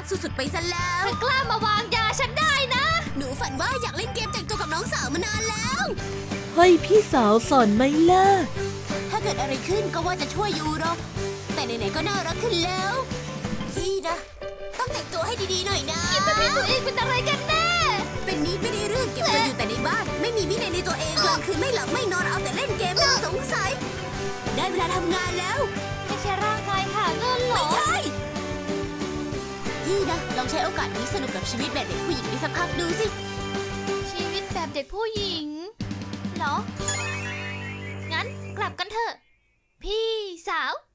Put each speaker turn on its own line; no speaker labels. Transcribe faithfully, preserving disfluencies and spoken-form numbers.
สุดๆไปซะแล้ว
เธอกล้ามาวางยาฉันได้นะ
หนูฝันว่าอยากเล่นเกมแต่งตัวกับน้องสาวมานานแล้ว
เฮ้ยพี่สาวสอนไหมล่ะ
ถ้าเกิดอะไรขึ้นก็ว่าจะช่วยยูหรอกแต่ไหนๆก็น่ารักขึ้นแล้วพี่นะต้องแต่งตัวให้ดีๆหน่อยนะ
คิดว่าพี่ตัวเองเป็นอะไรกันแน่
เป็นนิดไม่ได้เรื่องเก็บตัวอยู่แต่ในบ้าน ไม่มีวินัยในตัวเองกลางคืนไม่หลับไม่นอนเอาแต่เล่นเกมน่าสงสัยได้เวลาทำงานแล้ว
ไม่ใช่ร่างกายหาเงินเหร
ไม่
อ
ใช่พี่นะลองใช้โอกาสนี้สนุกกับชีวิตแบบเด็กผู้หญิงนี้สักพักดูสิ
ชีวิตแบบเด็กผู้หญิงเหรอ งั้นกลับกันเถอะ พี่สาว